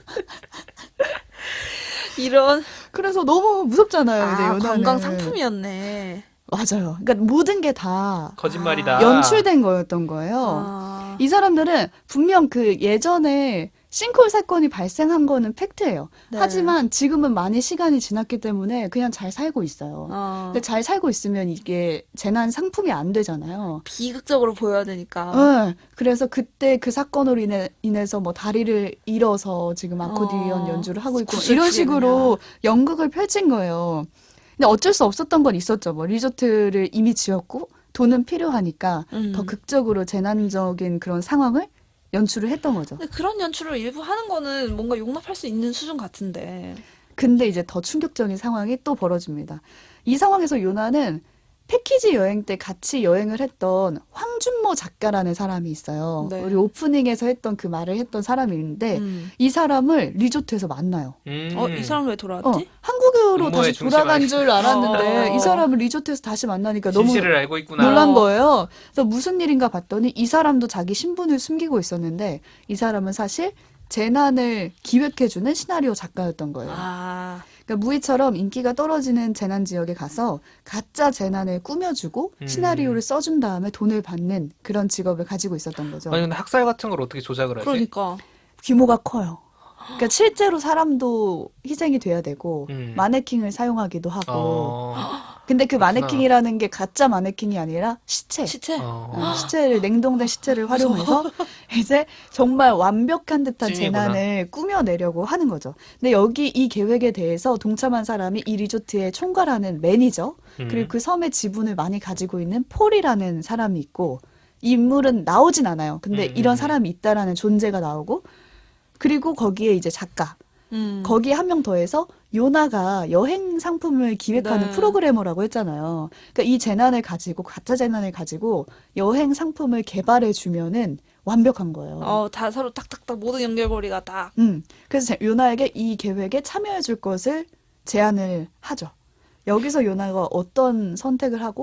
[SPEAKER 2] 이런.
[SPEAKER 1] 그래서 너무 무섭잖아요. 이제
[SPEAKER 2] 아,
[SPEAKER 1] 요나는.
[SPEAKER 2] 관광 상품이었네.
[SPEAKER 1] 맞아요. 그러니까 모든 게 다
[SPEAKER 3] 거짓말이다.
[SPEAKER 1] 연출된 거였던 거예요.
[SPEAKER 2] 아.
[SPEAKER 1] 이 사람들은 분명 그 예전에 싱크홀 사건이 발생한 거는 팩트예요.
[SPEAKER 2] 네.
[SPEAKER 1] 하지만 지금은 많이 시간이 지났기 때문에 그냥 잘 살고 있어요.
[SPEAKER 2] 어.
[SPEAKER 1] 근데 잘 살고 있으면 이게 재난 상품이 안 되잖아요.
[SPEAKER 2] 비극적으로 보여야 되니까.
[SPEAKER 1] 네, 그래서 그때 그 사건으로 인해, 인해서 뭐 다리를 잃어서 지금 아코디언
[SPEAKER 2] 어.
[SPEAKER 1] 연주를 하고 있고
[SPEAKER 2] 구슬
[SPEAKER 1] 이런
[SPEAKER 2] 피게
[SPEAKER 1] 식으로 연극을 펼친 거예요. 근데 어쩔 수 없었던 건 있었죠. 뭐 리조트를 이미 지었고 돈은 필요하니까
[SPEAKER 2] 음.
[SPEAKER 1] 더 극적으로 재난적인 그런 상황을 연출을 했던 거죠.
[SPEAKER 2] 근데 그런 연출을 일부 하는 거는 뭔가 용납할 수 있는 수준 같은데.
[SPEAKER 1] 근데 이제 더 충격적인 상황이 또 벌어집니다. 이 상황에서 요나는 패키지 여행 때 같이 여행을 했던 황준모 작가라는 사람이 있어요.
[SPEAKER 2] 네.
[SPEAKER 1] 우리 오프닝에서 했던 그 말을 했던 사람이 있는데
[SPEAKER 2] 음.
[SPEAKER 1] 이 사람을 리조트에서 만나요.
[SPEAKER 3] 음.
[SPEAKER 2] 어, 이 사람 왜 돌아왔지?
[SPEAKER 1] 어, 한국으로
[SPEAKER 3] 음모의
[SPEAKER 1] 다시
[SPEAKER 3] 중심
[SPEAKER 1] 돌아간
[SPEAKER 3] 아니-
[SPEAKER 1] 줄 알았는데
[SPEAKER 2] 어.
[SPEAKER 1] 이 사람을 리조트에서 다시 만나니까 너무
[SPEAKER 3] 진실을 알고 있구나.
[SPEAKER 1] 놀란
[SPEAKER 2] 어.
[SPEAKER 1] 거예요. 그래서 무슨 일인가 봤더니 이 사람도 자기 신분을 숨기고 있었는데 이 사람은 사실 재난을 기획해주는 시나리오 작가였던 거예요.
[SPEAKER 2] 아.
[SPEAKER 1] 그러니까 무희처럼 인기가 떨어지는 재난 지역에 가서 가짜 재난을 꾸며주고
[SPEAKER 3] 음.
[SPEAKER 1] 시나리오를 써준 다음에 돈을 받는 그런 직업을 가지고 있었던 거죠.
[SPEAKER 3] 아니 근데 학살 같은 걸 어떻게 조작을 하지?
[SPEAKER 2] 그러니까.
[SPEAKER 1] 규모가 커요. 그러니까 실제로 사람도 희생이 돼야 되고
[SPEAKER 3] 음.
[SPEAKER 1] 마네킹을 사용하기도 하고.
[SPEAKER 3] 어.
[SPEAKER 1] 근데 그
[SPEAKER 3] 그렇구나.
[SPEAKER 1] 마네킹이라는 게 가짜 마네킹이 아니라 시체.
[SPEAKER 2] 시체?
[SPEAKER 3] 어.
[SPEAKER 1] 어, 시체를 냉동된 시체를 활용해서 이제 정말 완벽한 듯한
[SPEAKER 3] 찐이구나.
[SPEAKER 1] 재난을 꾸며내려고 하는 거죠. 근데 여기 이 계획에 대해서 동참한 사람이 이 리조트의 총괄하는 매니저
[SPEAKER 3] 음.
[SPEAKER 1] 그리고 그 섬의 지분을 많이 가지고 있는 폴이라는 사람이 있고 이 인물은 나오진 않아요. 근데
[SPEAKER 3] 음,
[SPEAKER 1] 이런
[SPEAKER 3] 음.
[SPEAKER 1] 사람이 있다라는 존재가 나오고 그리고 거기에 이제 작가
[SPEAKER 2] 음.
[SPEAKER 1] 거기에 한 명 더해서 요나가 여행 상품을 기획하는
[SPEAKER 2] 네.
[SPEAKER 1] 프로그래머라고 했잖아요. 그러니까 이 재난을 가지고 가짜 재난을 가지고 여행 상품을 개발해 주면은 완벽한 거예요.
[SPEAKER 2] 어, 다 서로 딱딱딱 모든 연결고리가 딱.
[SPEAKER 1] 음. 그래서 제- 요나에게 이 계획에 참여해 줄 것을 제안을 하죠. 여기서 요나가 어떤 선택을 하고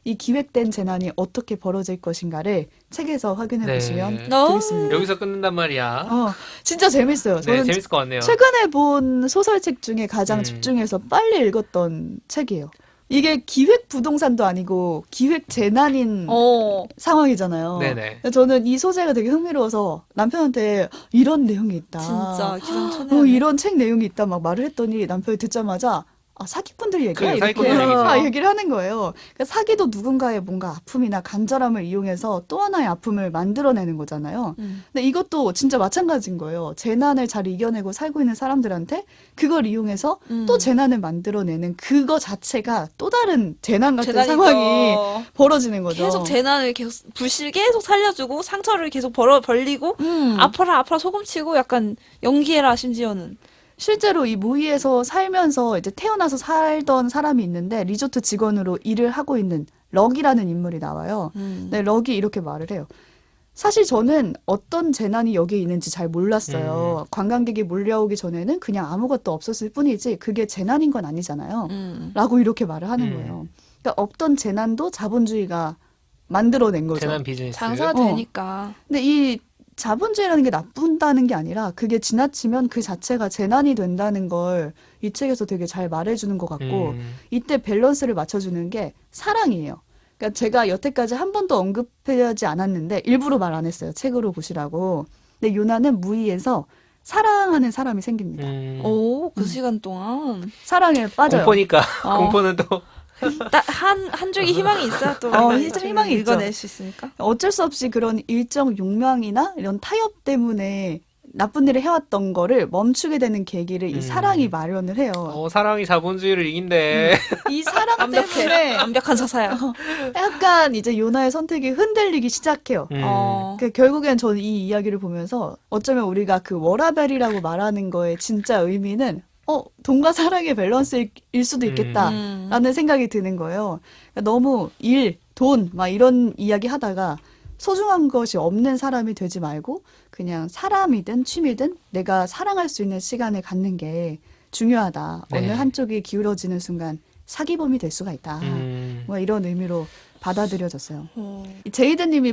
[SPEAKER 1] 이 기획된 재난이 어떻게 벌어질 것인가를 책에서 확인해
[SPEAKER 3] 네.
[SPEAKER 1] 보시면
[SPEAKER 2] 어?
[SPEAKER 1] 되겠습니다.
[SPEAKER 3] 여기서 끊는단 말이야.
[SPEAKER 1] 어, 진짜 재밌어요.
[SPEAKER 3] 네,
[SPEAKER 1] 저는
[SPEAKER 3] 재밌을 것 같네요.
[SPEAKER 1] 최근에 본 소설책 중에 가장
[SPEAKER 3] 음.
[SPEAKER 1] 집중해서 빨리 읽었던 책이에요. 이게 기획 부동산도 아니고 기획 재난인
[SPEAKER 2] 어.
[SPEAKER 1] 상황이잖아요.
[SPEAKER 3] 네네.
[SPEAKER 1] 저는 이 소재가 되게 흥미로워서 남편한테 이런 내용이 있다.
[SPEAKER 2] 진짜 기상천외.
[SPEAKER 1] 어, 이런 책 내용이 있다 막 말을 했더니 남편이 듣자마자 아, 사기꾼들 얘기야?
[SPEAKER 3] 그래,
[SPEAKER 1] 이렇게
[SPEAKER 3] 사기꾼들 얘기죠.
[SPEAKER 1] 아, 얘기를 하는 거예요. 그러니까 사기도 누군가의 뭔가 아픔이나 간절함을 이용해서 또 하나의 아픔을 만들어내는 거잖아요.
[SPEAKER 2] 음.
[SPEAKER 1] 근데 이것도 진짜 마찬가지인 거예요. 재난을 잘 이겨내고 살고 있는 사람들한테 그걸 이용해서
[SPEAKER 2] 음.
[SPEAKER 1] 또 재난을 만들어내는 그거 자체가 또 다른 재난 같은
[SPEAKER 2] 재난이죠.
[SPEAKER 1] 상황이 벌어지는 거죠.
[SPEAKER 2] 계속 재난을 계속 불씨를 계속 살려주고 상처를 계속 벌어 벌리고
[SPEAKER 1] 음.
[SPEAKER 2] 아파라 아파라 소금치고 약간 연기해라 심지어는.
[SPEAKER 1] 실제로 이 무이에서 살면서 이제 태어나서 살던 사람이 있는데 리조트 직원으로 일을 하고 있는 럭이라는 인물이 나와요.
[SPEAKER 2] 음.
[SPEAKER 1] 네, 럭이 이렇게 말을 해요. 사실 저는 어떤 재난이 여기에 있는지 잘 몰랐어요.
[SPEAKER 3] 음.
[SPEAKER 1] 관광객이 몰려오기 전에는 그냥 아무것도 없었을 뿐이지 그게 재난인 건 아니잖아요.
[SPEAKER 2] 음.
[SPEAKER 1] 라고 이렇게 말을 하는
[SPEAKER 3] 음.
[SPEAKER 1] 거예요. 그러니까 없던 재난도 자본주의가 만들어낸 거죠.
[SPEAKER 3] 재난 비즈니스.
[SPEAKER 2] 장사가
[SPEAKER 1] 어.
[SPEAKER 2] 되니까.
[SPEAKER 1] 근데 이 자본주의라는 게 나쁜다는 게 아니라 그게 지나치면 그 자체가 재난이 된다는 걸 이 책에서 되게 잘 말해주는 것 같고
[SPEAKER 3] 음.
[SPEAKER 1] 이때 밸런스를 맞춰주는 게 사랑이에요. 그러니까 제가 여태까지 한 번도 언급하지 않았는데 일부러 말 안 했어요. 책으로 보시라고. 근데 요나는 무이에서 사랑하는 사람이 생깁니다.
[SPEAKER 3] 음.
[SPEAKER 2] 오, 그 시간 동안
[SPEAKER 1] 사랑에 빠져요.
[SPEAKER 3] 공포니까
[SPEAKER 2] 어.
[SPEAKER 3] 공포는 또
[SPEAKER 2] 한, 한 줄기 희망이 있어야 또
[SPEAKER 1] 어,
[SPEAKER 2] 우리가
[SPEAKER 1] 희- 희망이 있죠.
[SPEAKER 2] 읽어낼 수 있으니까.
[SPEAKER 1] 어쩔 수 없이 그런 일정 욕망이나 이런 타협 때문에 나쁜 일을 해왔던 거를 멈추게 되는 계기를 이
[SPEAKER 3] 음.
[SPEAKER 1] 사랑이 마련을 해요.
[SPEAKER 3] 어, 사랑이 자본주의를 이긴대.
[SPEAKER 1] 이 사랑
[SPEAKER 2] 완벽해.
[SPEAKER 1] 때문에
[SPEAKER 2] 완벽한 서사야.
[SPEAKER 1] 약간 이제 요나의 선택이 흔들리기 시작해요.
[SPEAKER 3] 음.
[SPEAKER 2] 어.
[SPEAKER 1] 그 결국엔 저는 이 이야기를 보면서 어쩌면 우리가 그 워라벨이라고 말하는 거의 진짜 의미는 어 돈과 사랑의 밸런스일 수도 있겠다라는
[SPEAKER 2] 음.
[SPEAKER 1] 생각이 드는 거예요. 그러니까 너무 일, 돈 막 이런 이야기 하다가 소중한 것이 없는 사람이 되지 말고 그냥 사람이든 취미든 내가 사랑할 수 있는 시간을 갖는 게 중요하다.
[SPEAKER 3] 네.
[SPEAKER 1] 어느 한쪽이 기울어지는 순간 사기범이 될 수가 있다.
[SPEAKER 3] 음.
[SPEAKER 1] 뭐 이런 의미로 받아들여졌어요.
[SPEAKER 2] 어.
[SPEAKER 1] 이 제이드님이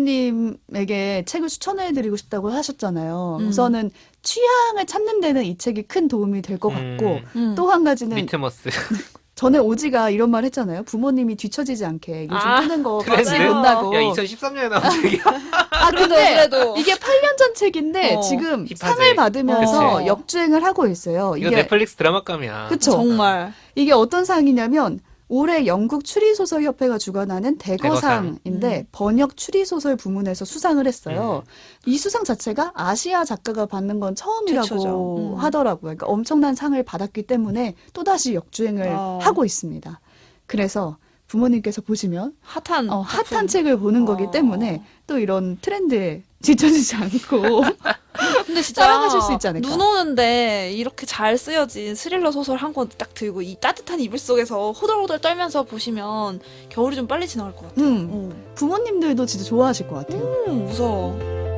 [SPEAKER 1] 부모님에게 책을 추천해드리고 싶다고 하셨잖아요.
[SPEAKER 2] 음.
[SPEAKER 1] 우선은 취향을 찾는 데는 이 책이 큰 도움이 될 것 같고
[SPEAKER 3] 음.
[SPEAKER 2] 음.
[SPEAKER 1] 또 한 가지는
[SPEAKER 3] 리트머스.
[SPEAKER 1] 전에 오지가 이런 말 했잖아요. 부모님이 뒤처지지 않게 요즘
[SPEAKER 2] 아,
[SPEAKER 1] 뜨는 거
[SPEAKER 3] 트렌드?
[SPEAKER 1] 같이 본다고.
[SPEAKER 3] 야, 이천십삼 년에 나온 책이야.
[SPEAKER 1] 아
[SPEAKER 2] 그래도
[SPEAKER 1] 근데
[SPEAKER 2] 그래도
[SPEAKER 1] 이게 팔 년 전 책인데
[SPEAKER 2] 어,
[SPEAKER 1] 지금
[SPEAKER 3] 힙하지.
[SPEAKER 1] 상을 받으면서
[SPEAKER 2] 그치.
[SPEAKER 1] 역주행을 하고 있어요.
[SPEAKER 3] 이거
[SPEAKER 1] 이게
[SPEAKER 3] 넷플릭스 드라마감이야.
[SPEAKER 1] 그쵸.
[SPEAKER 2] 정말
[SPEAKER 1] 이게 어떤 상이냐면 올해 영국 추리소설협회가 주관하는
[SPEAKER 3] 대거상.
[SPEAKER 1] 대거상인데
[SPEAKER 2] 음.
[SPEAKER 1] 번역 추리소설 부문에서 수상을 했어요. 이 수상 자체가 아시아 작가가 받는 건 처음이라고
[SPEAKER 2] 최초죠. 음.
[SPEAKER 1] 하더라고요. 그러니까 엄청난 상을 받았기 때문에 또다시 역주행을
[SPEAKER 2] 어.
[SPEAKER 1] 하고 있습니다. 그래서 부모님께서 보시면
[SPEAKER 2] 핫한
[SPEAKER 1] 어, 핫한
[SPEAKER 2] 작품.
[SPEAKER 1] 책을 보는 거기
[SPEAKER 2] 어.
[SPEAKER 1] 때문에 또 이런 트렌드에 지쳐지지 않고
[SPEAKER 2] 근데 진짜
[SPEAKER 1] 따라가실 수 있지 않을까.
[SPEAKER 2] 눈 오는데 이렇게 잘 쓰여진 스릴러 소설 한 권 딱 들고 이 따뜻한 이불 속에서 호들호들 떨면서 보시면 겨울이 좀 빨리 지나갈 것 같아요.
[SPEAKER 1] 음,
[SPEAKER 2] 어.
[SPEAKER 1] 부모님들도 진짜 좋아하실 것 같아요.
[SPEAKER 2] 음, 무서워.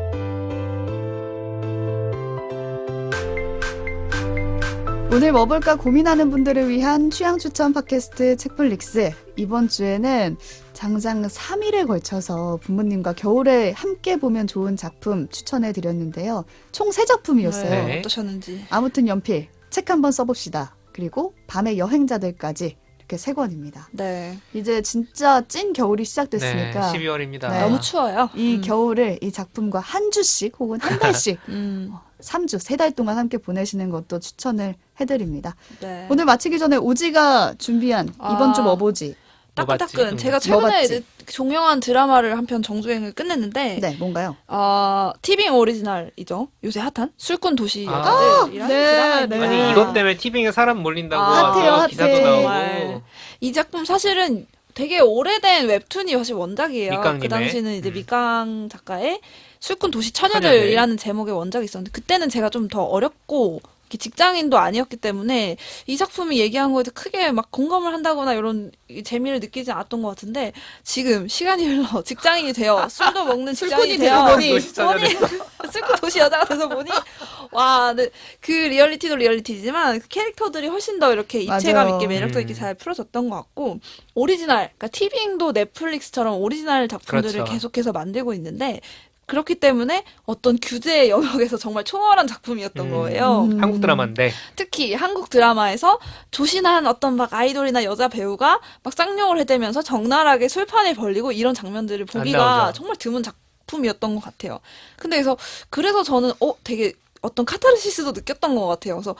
[SPEAKER 1] 오늘 뭐 볼까 고민하는 분들을 위한 취향 추천 팟캐스트 책플릭스. 이번 주에는 장장 삼 일에 걸쳐서 부모님과 겨울에 함께 보면 좋은 작품 추천해 드렸는데요. 총 세 작품이었어요.
[SPEAKER 3] 네.
[SPEAKER 2] 어떠셨는지.
[SPEAKER 1] 아무튼 연필 책 한번 써봅시다. 그리고 밤의 여행자들까지 이렇게 세 권입니다.
[SPEAKER 2] 네.
[SPEAKER 1] 이제 진짜 찐 겨울이 시작됐으니까
[SPEAKER 3] 네, 십이월입니다.
[SPEAKER 1] 네.
[SPEAKER 2] 너무 추워요.
[SPEAKER 1] 이
[SPEAKER 2] 음.
[SPEAKER 1] 겨울을 이 작품과 한 주씩 혹은 한 달씩
[SPEAKER 2] 음.
[SPEAKER 1] 삼 주, 세 달 동안 함께 보내시는 것도 추천을 해드립니다.
[SPEAKER 2] 네.
[SPEAKER 1] 오늘 마치기 전에 오지가 준비한 이번
[SPEAKER 2] 아.
[SPEAKER 1] 주 뭐 보지?
[SPEAKER 3] 뭐 봤지?
[SPEAKER 2] 따끈따끈. 제가
[SPEAKER 1] 뭐
[SPEAKER 2] 최근에
[SPEAKER 1] 봤지?
[SPEAKER 2] 이제 종영한 드라마를 한 편 정주행을 끝냈는데
[SPEAKER 1] 네, 뭔가요?
[SPEAKER 2] 어, 티빙 오리지널이죠. 요새 핫한 술꾼 도시
[SPEAKER 3] 아.
[SPEAKER 2] 여자들이라는
[SPEAKER 1] 네,
[SPEAKER 2] 드라마입니다.
[SPEAKER 1] 네.
[SPEAKER 3] 아니 이것 때문에 티빙에 사람 몰린다고
[SPEAKER 2] 아,
[SPEAKER 3] 아주
[SPEAKER 1] 핫해요,
[SPEAKER 3] 기사도
[SPEAKER 1] 핫해.
[SPEAKER 3] 나오고.
[SPEAKER 2] 정말. 이 작품 사실은 되게 오래된 웹툰이 사실 원작이에요.
[SPEAKER 3] 밑강님의.
[SPEAKER 2] 그 당시는 이제
[SPEAKER 3] 음.
[SPEAKER 2] 밑강 작가의 술꾼 도시 처녀들이라는 제목의 원작이 있었는데 그때는 제가 좀 더 어렵고 이렇게 직장인도 아니었기 때문에 이 작품이 얘기한 거에 크게 막 공감을 한다거나 이런 재미를 느끼지 않았던 것 같은데 지금 시간이 흘러 직장인이 되어 술도 먹는 직장인이
[SPEAKER 1] 술꾼이
[SPEAKER 2] 되어
[SPEAKER 1] 되어 보니
[SPEAKER 3] 도시 처녀
[SPEAKER 2] 보니 술꾼 도시 여자가 돼서 보니 와, 네. 그 리얼리티도 리얼리티지만 그 캐릭터들이 훨씬 더 이렇게 입체감
[SPEAKER 1] 맞아요.
[SPEAKER 2] 있게 매력도 있게
[SPEAKER 3] 음.
[SPEAKER 2] 잘 풀어졌던 것 같고 오리지널, 그러니까 티빙도 넷플릭스처럼 오리지널 작품들을
[SPEAKER 3] 그렇죠.
[SPEAKER 2] 계속해서 만들고 있는데 그렇기 때문에 어떤 규제의 영역에서 정말 초월한 작품이었던
[SPEAKER 3] 음.
[SPEAKER 2] 거예요.
[SPEAKER 1] 음.
[SPEAKER 3] 한국 드라마인데
[SPEAKER 2] 특히 한국 드라마에서 조신한 어떤 막 아이돌이나 여자 배우가 막 쌍욕을 해대면서 적나라하게 술판을 벌리고 이런 장면들을 보기가
[SPEAKER 3] 나오죠.
[SPEAKER 2] 정말 드문 작품이었던 것 같아요. 근데 그래서 그래서 저는 어 되게 어떤 카타르시스도 느꼈던 것 같아요. 그래서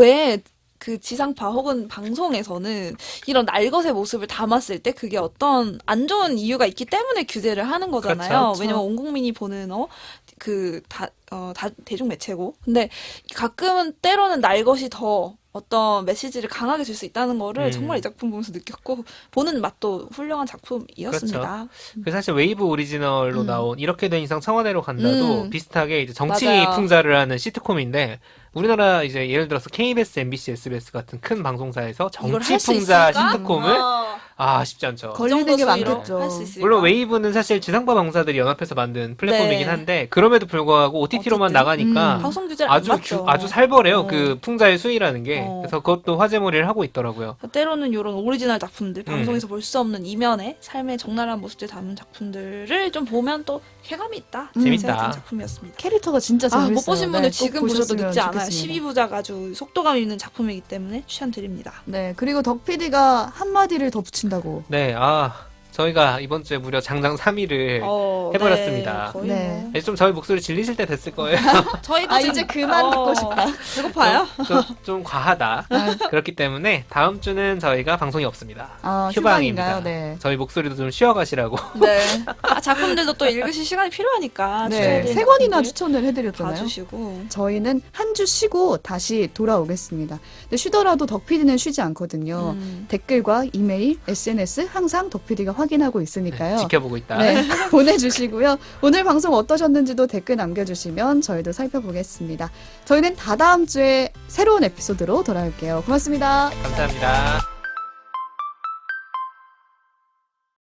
[SPEAKER 2] 왜 그 지상파 혹은 방송에서는 이런 날것의 모습을 담았을 때 그게 어떤 안 좋은 이유가 있기 때문에 규제를 하는 거잖아요.
[SPEAKER 3] 그렇죠.
[SPEAKER 2] 왜냐면 온 국민이 보는 어 그 다 어 다 대중 매체고. 근데 가끔은 때로는 날것이 더 어떤 메시지를 강하게 줄 수 있다는 거를
[SPEAKER 3] 음.
[SPEAKER 2] 정말 이 작품 보면서 느꼈고 보는 맛도 훌륭한 작품이었습니다.
[SPEAKER 3] 그 사실 웨이브 오리지널로
[SPEAKER 2] 음.
[SPEAKER 3] 나온 이렇게 된 이상 청와대로 간다도
[SPEAKER 2] 음.
[SPEAKER 3] 비슷하게 이제 정치
[SPEAKER 2] 맞아요.
[SPEAKER 3] 풍자를 하는 시트콤인데 우리나라 이제 예를 들어서 케이비에스, 엠비씨, 에스비에스 같은 큰 방송사에서
[SPEAKER 2] 이걸
[SPEAKER 3] 정치
[SPEAKER 2] 할 수
[SPEAKER 3] 풍자
[SPEAKER 2] 있을까?
[SPEAKER 3] 시트콤을
[SPEAKER 2] 어,
[SPEAKER 3] 아 쉽지 않죠.
[SPEAKER 1] 걸리는 게 많겠죠.
[SPEAKER 2] 할수 있을까?
[SPEAKER 3] 물론 웨이브는 사실 지상파 방사들이 연합해서 만든 플랫폼이긴
[SPEAKER 2] 네.
[SPEAKER 3] 한데 그럼에도 불구하고 오티티로만
[SPEAKER 2] 어쨌든.
[SPEAKER 3] 나가니까
[SPEAKER 1] 음.
[SPEAKER 2] 방송 규제를 안
[SPEAKER 3] 아주
[SPEAKER 2] 맞죠.
[SPEAKER 3] 주- 아주 살벌해요.
[SPEAKER 2] 어.
[SPEAKER 3] 그 풍자의 수위라는 게.
[SPEAKER 2] 어.
[SPEAKER 3] 그래서 그것도 화제몰이를 하고 있더라고요.
[SPEAKER 2] 때로는 이런 오리지널 작품들,
[SPEAKER 3] 음.
[SPEAKER 2] 방송에서 볼 수 없는 이면의 삶의 적나라한 모습들 담은 작품들을 좀 보면 또 쾌감이 있다.
[SPEAKER 1] 음.
[SPEAKER 3] 재밌다.
[SPEAKER 2] 생각한 작품이었습니다.
[SPEAKER 1] 캐릭터가 진짜
[SPEAKER 2] 아,
[SPEAKER 1] 재밌어요.
[SPEAKER 2] 못 보신 분들
[SPEAKER 1] 네, 꼭
[SPEAKER 2] 지금 보셔도
[SPEAKER 1] 보셨으면
[SPEAKER 2] 늦지 않아요.
[SPEAKER 1] 좋겠습니다.
[SPEAKER 2] 십이 부작 아주 속도감 있는 작품이기 때문에 추천드립니다.
[SPEAKER 1] 네, 그리고 덕 피디가 한마디를 더 붙인다고.
[SPEAKER 3] 네, 아, 저희가 이번 주에 무려 장장 삼 위를
[SPEAKER 2] 어,
[SPEAKER 3] 해버렸습니다.
[SPEAKER 2] 네, 거의
[SPEAKER 1] 네.
[SPEAKER 2] 뭐.
[SPEAKER 3] 이제 좀 저희 목소리 질리실 때 됐을 거예요.
[SPEAKER 2] 저희도
[SPEAKER 1] 아,
[SPEAKER 2] 지금-
[SPEAKER 1] 이제 그만 듣고 싶다.
[SPEAKER 2] 배고파요?
[SPEAKER 3] 좀, 좀 과하다. 그렇기 때문에 다음 주는 저희가 방송이 없습니다.
[SPEAKER 1] 아,
[SPEAKER 3] 휴방입니다.
[SPEAKER 1] 휴방인가요? 네.
[SPEAKER 3] 저희 목소리도 좀 쉬어가시라고.
[SPEAKER 2] 네. 아, 작품들도 또 읽으실 시간이 필요하니까
[SPEAKER 1] 네,
[SPEAKER 2] 추천해드린
[SPEAKER 1] 세 권이나
[SPEAKER 2] 작품들
[SPEAKER 1] 추천을 해드렸잖아요.
[SPEAKER 2] 봐주시고.
[SPEAKER 1] 저희는 한 주 쉬고 다시 돌아오겠습니다. 근데 쉬더라도 덕 피디는 쉬지 않거든요.
[SPEAKER 2] 음.
[SPEAKER 1] 댓글과 이메일, 에스엔에스 항상 덕 피디가 확인하고 있으니까요.
[SPEAKER 3] 지켜보고 있다.
[SPEAKER 1] 네, 보내주시고요. 오늘 방송 어떠셨는지도 댓글 남겨주시면 저희도 살펴보겠습니다. 저희는 다다음 주에 새로운 에피소드로 돌아올게요. 고맙습니다.
[SPEAKER 3] 감사합니다.